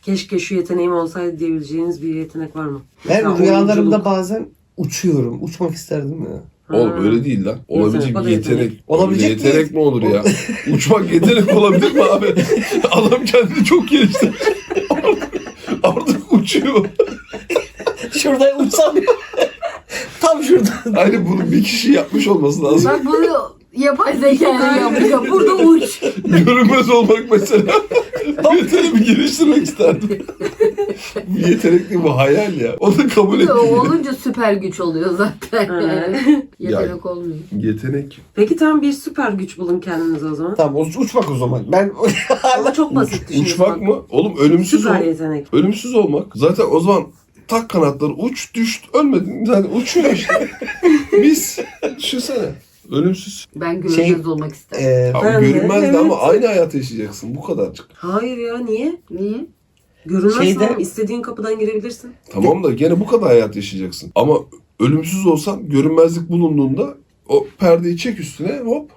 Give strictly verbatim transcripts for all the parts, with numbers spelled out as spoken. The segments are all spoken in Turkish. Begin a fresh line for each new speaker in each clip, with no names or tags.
keşke şu yeteneğim olsaydı diyebileceğiniz bir yetenek var mı?
Ben
Mesela
rüyalarımda
oyunculuk.
bazen uçuyorum. Uçmak isterdim ya.
Oğlum
Ha.
öyle değil lan. Olabilecek
o da
bir yetenek.
yetenek.
Olabilecek
yetenek, yetenek
bir-
mi olur ya? Uçmak yetenek olabilir mi abi? Adam kendini çok geliştirdi. Artık, artık uçuyor.
Şurada uçsam ya. Tam şurada.
Hani bunu bir kişi yapmış olması lazım.
Bak bunu yapay zekayla yapıyor. Burada uç.
Görünmez olmak mesela. Bu yeteneğimi geliştirmek isterdim. Bu yetenek değil, bu hayal ya. Onu kabul
O
ettim.
olunca süper güç oluyor zaten.
Evet.
Yetenek olmuyor.
Yetenek.
Peki tam bir süper güç bulun kendinize o zaman.
Tamam uç- uçmak o zaman. Ben
Ama çok basit düşünüyorsun.
Uçmak mı? Oğlum ölümsüz
Süper
ol.
yetenek.
Ölümsüz olmak. Zaten o zaman tak kanatları, uç, düş, ölmedin. Yani uçuyor işte. Biz, düşünsene. Ölümsüz.
Ben görünmez
Şey,
olmak isterim.
e,
Abi
Ben de,
görünmez de
evet.
ama aynı hayatı yaşayacaksın. Bu kadarcık.
Hayır ya niye?
Niye?
Görünmezsen
Şeyde-
istediğin kapıdan girebilirsin.
Tamam da gene bu kadar hayat yaşayacaksın. Ama ölümsüz olsan görünmezlik bulunduğunda o perdeyi çek üstüne hop.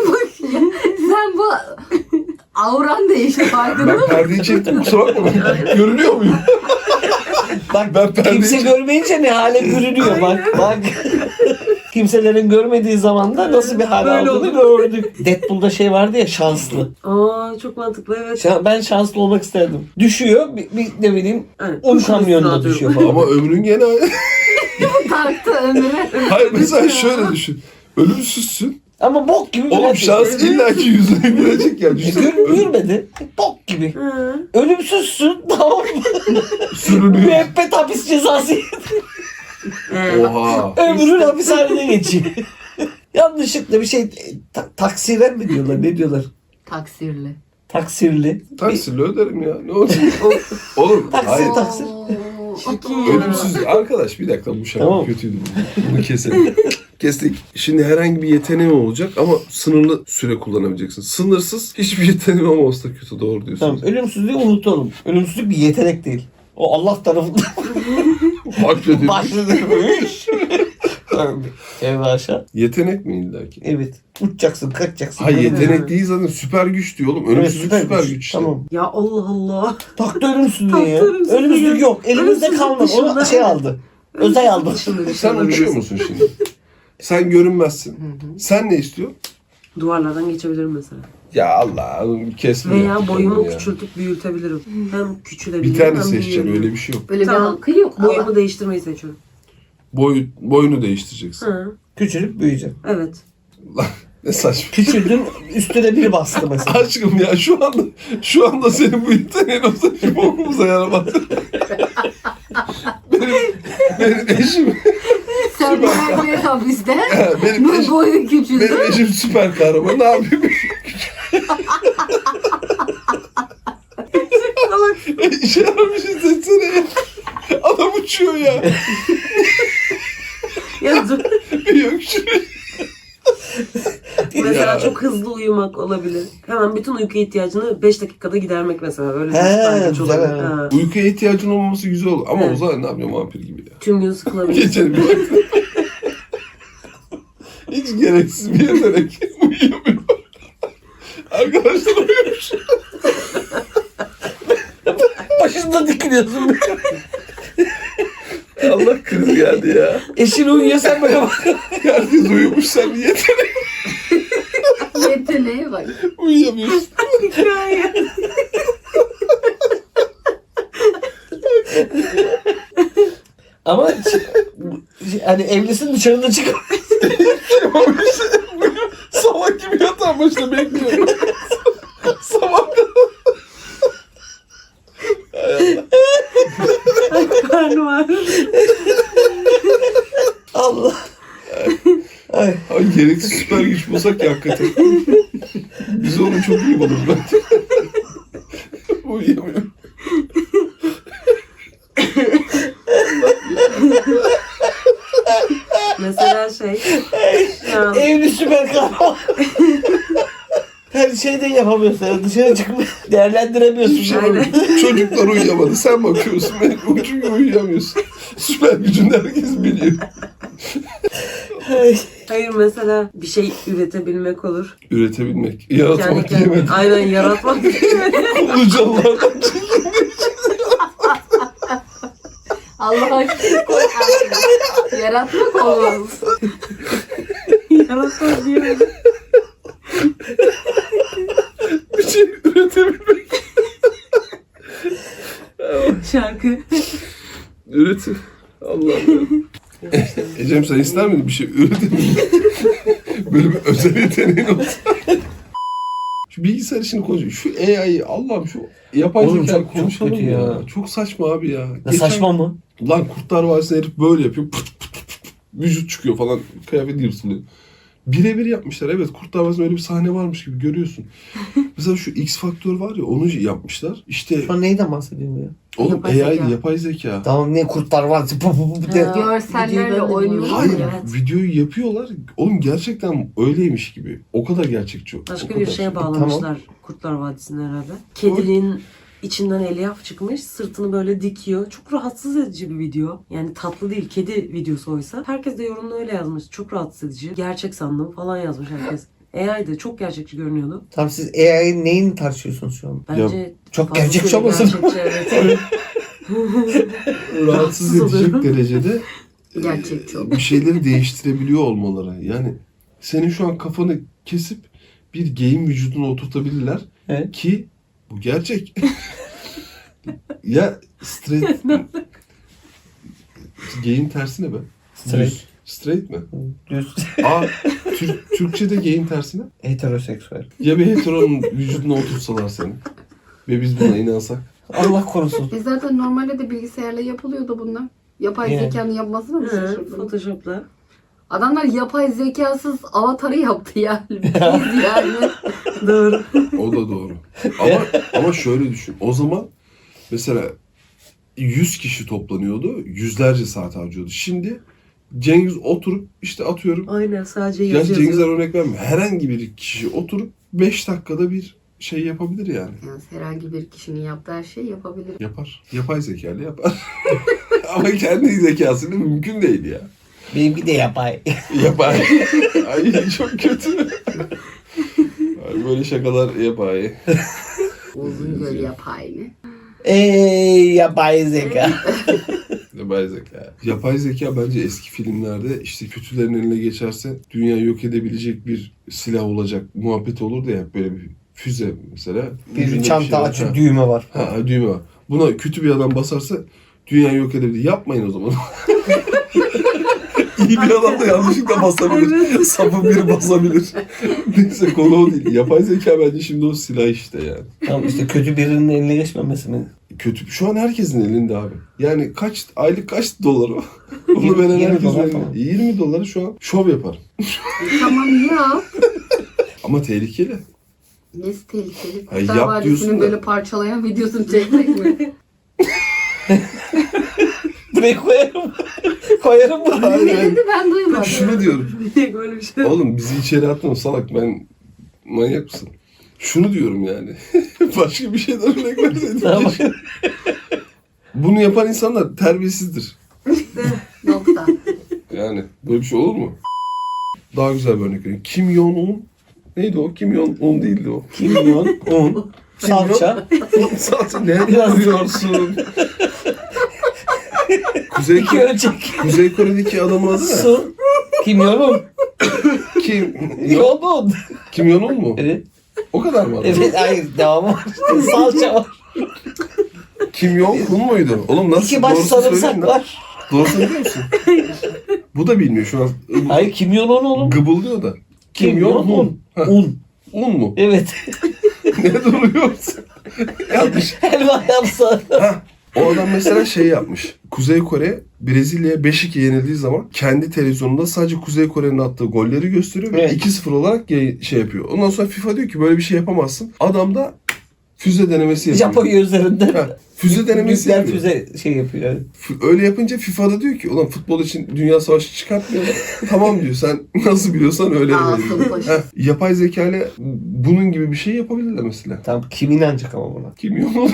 Sen bu auran değişti farkında
Ben
mısın?
perdeyi çektim kusura bakma ben görünüyor muyum?
bak
Ben perdeyi
kimse
çek-
görmeyince ne hale bürünüyor bak bak. Kimselerin görmediği zaman da nasıl bir hal
Böyle
aldığını gördük. Deadpool'da şey vardı ya şanslı.
Aa çok mantıklı evet.
Şa- Ben şanslı olmak isterdim. Düşüyor bir, bir ne bileyim
Yani,
un
kuşun
kamyonuna
üstüne
düşüyor
atıyorum.
falan.
Ama ömrün gene
Taktı ömrüne.
hayır mesela şöyle düşün. Ölümsüzsün.
Ama bok gibi bir
Oğlum
herkes.
şans illaki yüzüne gülecek ya.
E,
Düşünsene.
gör, görmedi. Bok gibi.
Hı.
Ölümsüzsün tamam mı?
Sürünüyor.
Müebbet hapis cezası.
Ee,
Oha.
Ömrün hapishanede geçiyor. Yanlışlıkla bir şey ta- taksiren mi diyorlar ne diyorlar?
Taksirli.
Taksirli.
Taksirle öderim ya. Ne olacak?
Of.
Oğlum
Taksi,
hayır.
taksi.
Çirkin ya.
Ölümsüz. Arkadaş bir dakika bu şaka
Tamam.
kötüydü. Bunu keselim. Kestik. Şimdi herhangi bir yeteneğin olacak ama sınırlı süre kullanabileceksin. Sınırsız hiçbir yeteneğin olmasa da kötü. Doğru diyorsun.
Tamam ölümsüzlüğü unutalım. Ölümsüzlük bir yetenek değil. O Allah tarafından
Hakikaten.
başlanmış. Tevbe aşağı.
Yetenek mi illaki?
Evet. Uçacaksın, kaçacaksın.
Hayır
Böyle-
yetenek değil zaten süper güç diyor oğlum.
Evet,
Ölümsüzlük süper, güç işte.
Tamam.
Ya Allah Allah.
Taktı ölümsüzlüğü
Taktı
ya.
ölümsüzlüğü.
Ölümsüzlük yok. Elimizde
Ölümsüzlük
kalmadı. Onu
dışında.
şey aldı. Özay aldı.
Dışında bir şey
Sen
olabilir.
uçuyor musun şimdi? Sen görünmezsin. Sen ne istiyorsun?
Duvarlardan geçebilirim mesela.
Ya Allah kesme.
Veya boyumu
ya.
küçültüp büyütebilirim. Hem küçülebilirim
Bir tane
hem
seçeceksin
büyüyebilirim.
öyle bir şey yok.
Böyle
Tamam.
bir hakkı yok.
Boyumu
Allah.
değiştirmeyi seçiyorum.
Boy, boyunu değiştireceksin.
Hı,
Küçülüp büyüyeceksin.
evet.
Ne saçma.
Küçüldün üstüne biri bastı mesela.
Aşkım ya şu anda şu anda senin bu yeteneğin olsa şu bokumuza yaramaz. benim, benim eşim
Sen müebbet hapiste.
benim
Bu
eşim
boyu küçüldü.
benim eşim süper kahraman. Ne yapayım? İşe yaramış seçsene ya. Adam uçuyor ya.
Ya dur.
Bir öksürüyor.
Mesela
Ya.
çok hızlı uyumak olabilir. Hemen bütün uyku ihtiyacını beş dakikada gidermek mesela. Öyle bir
He,
süper güç
güzel.
olabilir. Ha.
Uykuya ihtiyacın olmaması güzel olur. Ama
Evet.
o zaman ne yapıyor vampir gibi ya.
Tüm gün sıkılabilir.
Geçelim. Hiç gereksiz bir yetenek. Uyuyamıyor. Arkadaşlar uyumuş.
Başında dikiliyorsun.
Allah kriz geldi ya.
Eşin uyuyor sen böyle bak.
Herkes uyumuş sen bir yetenek.
Yeteneğe bak.
Uyuyamıyorsun.
Hikaye.
Ama hani evlisin dışarıda çık.
Sabah gibi yatağın başında bekliyorum. Sabah
Karnım ağrıyor.
Allah. Ay.
Ay gereksiz süper güç bulsak ya hakikaten. Biz onu çok iyi buluruz ben. Uyuyamıyorum.
Mesela şey. Ya,
Evli süper kahraman. Her şeyden yapamıyorsun. Yani dışarı çıkıp değerlendiremiyorsun.
Aynen.
Çocuklar uyuyamadı. Sen bakıyorsun. Ben çünkü uyuyamıyorsun. Süper gücünü herkes biliyor.
Ay.
hayır mesela bir şey üretebilmek olur.
Üretebilmek.
Kendi
Yaratmak
kendine.
diyemedim.
Aynen yaratmak diyemedim.
Ulucalılardan çekilmiş.
Allah aşkına. Yaratmak olmaz.
Yaratmaz diye.
Bir şey üretebilmek.
Şarkı.
Üretim. Allah'ım ya. Ecem sen ister miydin bir şey üretebilmek? Böyle bir özel yeteneğin olsa. Şu bilgisayar işini konuşuyor. Şu A I'yi Allah'ım şu yapay
Oğlum
zeka
çok- çok
konuşalım
kötü
ya.
ya.
Çok saçma abi ya.
Ya
Geçen-
saçma mı?
Lan Kurtlar Vadisi'nde herif böyle yapıyor. Pıt pıt pıt pıt. Vücut çıkıyor falan. Kıyafet yırtılıyor. Birebir yapmışlar. Evet Kurtlar Vadisi'nde öyle bir sahne varmış gibi görüyorsun. Mesela şu X Faktör var ya onu yapmışlar. İşte
Şu an neyden bahsediyorsun ya?
oğlum
Yapay
A I
zeka.
yapay zeka.
Tamam ne kurtlar var. Pu pu pu de.
Ha.
Görsellerle
Videoyu ben de
oynuyorlar
Hayır
ya.
Evet.
videoyu yapıyorlar. Oğlum gerçekten öyleymiş gibi. O kadar gerçekçi. o
Başka
kadar.
bir şeye bağlamışlar Kurtlar Vadisi'ni herhalde. Kedinin içinden elyaf çıkmış, sırtını böyle dikiyor. Çok rahatsız edici bir video. Yani tatlı değil, kedi videosu oysa. Herkes de yorumda öyle yazmış. Çok rahatsız edici. Gerçek sandım falan yazmış herkes. A I'de çok gerçekçi görünüyordu.
Tamam siz A I'nin neyini tartışıyorsunuz şu an?
Bence
Çok
fazlasıyla
gerçekçi olmasın?
gerçekçi, evet.
Rahatsız
Rahatsız
edecek
oluyorum.
derecede e,
Gerçekçi oldu.
bir şeyleri değiştirebiliyor olmaları. Yani senin şu an kafanı kesip bir geyim vücuduna oturtabilirler
Evet.
ki bu gerçek. Ya straight geyim tersi ne be?
Straight.
Düz. Straight mi?
Düz.
Aa, Türk, Türkçe'de geyim tersi ne?
Heteroseksüel.
Ya bir heteronun vücuduna otursalar seni ve biz buna inansak.
Allah korusun.
E zaten normalde de bilgisayarla yapılıyordu bunlar. Yapay
Yani.
zekanın yapmasına mı
Hı,
şaşırdın?
Photoshop'la.
Adamlar yapay zekasız avatarı yaptı yani. Biz yani.
Doğru.
O da doğru. Ama ama şöyle düşün. O zaman mesela yüz kişi toplanıyordu. Yüzlerce saat harcıyordu. Şimdi Cengiz oturup işte atıyorum.
Aynen sadece yazı
Gerçi Cengiz'den
yazıyor.
örnek vermiyor. Herhangi bir kişi oturup beş dakikada bir şey yapabilir yani.
Yani herhangi bir kişinin yaptığı her şeyi yapabilir.
Yapar. Yapay zekayla yapar. Ama kendi zekasıyla mümkün değil ya.
Benimki de yapay.
Yapay. Ay çok kötü. Ay, böyle şakalar yapay.
Uzun göl yapay mı?
Ey yapay zeka.
Yapay zeka. Yapay zeka bence eski filmlerde işte kötülerin eline geçerse dünyayı yok edebilecek bir silah olacak muhabbet olur da ya böyle bir füze mesela.
Bir
Ucunda
çanta
şey var.
açıyor,
Ha.
düğme var.
Ha, ha, düğme var. Buna kötü bir adam basarsa dünyayı yok edebilir. Yapmayın o zaman. İyi bir adam da yanlışlıkla basabilir. Sapı biri basabilir. Neyse konu o değil. Yapay zeka bence şimdi o silah işte yani.
Tamam işte kötü birinin eline geçmemesi mi?
Kötü. Şu an herkesin elinde abi. Yani kaç aylık kaç dolar o? Onu
Yirmi-
veren
yirmi
herkesin
dolar
elinde.
falan.
yirmi doları şu an şov yaparım.
Tamam ya.
Ama tehlikeli.
Nesi tehlikeli?
Ha,
Kurtlar
yap
Vadisi'nin
diyorsun da.
böyle parçalayan videosunu çekmek mi?
Buraya koyarım. koyarım bunu.
Hayır,
Ne
hayır.
dedi ben duymadım.
Şunu diyorum.
Niye böyle bir şey?
Oğlum bizi içeri atma salak, ben manyak mısın? Şunu diyorum yani. Başka bir şeyden örnek verseydin.
Tamam.
Bunu yapan insanlar terbiyesizdir.
Nokta.
Yani böyle bir şey olur mu? Daha güzel bir örnek vereyim. Kim Jong-un neydi o? Kim Jong-un değildi o.
Kimyon, un, salça.
Zaten ne
Biraz-
yapıyorsun? Kuzey,
İki ölçek.
Kuzey Kore'deki adamın adı ne?
Su. Kimyonun.
Kim?
Yoğun.
Kim Jong-un mu?
Evet.
O kadar mı? adam?
Evet hayır devamı var. Salça var.
Kim Jong-un muydu? Oğlum nasıl?
İki baş
Doğrusunu
sarımsak
söyleyeyim lan.
var.
Doğrusunu biliyor musun? Bu da bilmiyor şu an.
Hayır kimyonon oğlum.
Gıbıldıyor da. Kim Jong-un.
Un.
Ha,
Un.
Un mu?
Evet.
Ne duruyorsun? Yanlış.
Helva yapsa.
Ha, o adam mesela şey yapmış. Kuzey Kore Brezilya'ya beş iki yenildiği zaman kendi televizyonunda sadece Kuzey Kore'nin attığı golleri gösteriyor ve
Evet.
iki sıfır olarak yayın- şey yapıyor. Ondan sonra FIFA diyor ki böyle bir şey yapamazsın. Adam da füze denemesi yapıyor.
Japonya üzerinden.
Ha, füze denemesi
Nükleer
yapıyor.
füze şey yapıyor. Yani.
F- Öyle yapınca FIFA'da diyor ki ulan futbol için dünya savaşı çıkartmayalım. Tamam diyor, sen nasıl biliyorsan öyle
Asım
verelim.
Paşa.
Heh, yapay zeka ile bunun gibi bir şey yapabilirler mesela.
Tamam kim inanacak ama buna?
Kim yok?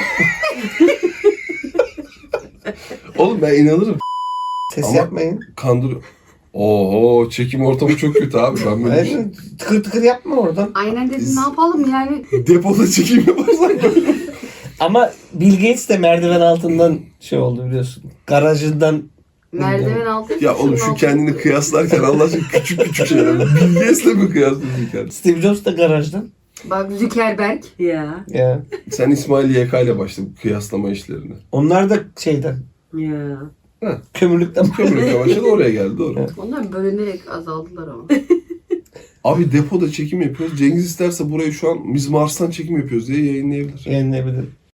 Oğlum ben inanırım.
Ses
Ama-
yapmayın.
Kandırıyor. Oho, çekim ortamı çok kötü abi. Ben böyle bir şey...
Hayır, tıkır tıkır yapma oradan.
Aynen dedim ne yapalım yani.
Depoda çekim yaparsak böyle.
Ama Bill Gates de merdiven altından şey oldu biliyorsun. garajından
Merdiven altı.
Ya oğlum şu kendini kıyaslarken Allah aşkına küçük küçük şeyler. Bill Gates'le mi kıyaslıyorsun kendini?
Steve Jobs da garajdan.
Bak Zuckerberg.
Ya.
Ya.
Sen İsmail Y K ile başla bu kıyaslama işlerine.
Onlar da şeyden.
Ya.
Kömürlükten.
Kömürlükle başladı oraya geldi doğru.
Onlar bölünerek azaldılar ama.
Abi depoda çekim yapıyoruz. Cengiz isterse burayı şu an biz Mars'tan çekim yapıyoruz diye yayınlayabilir.
Yayınlayabilirim.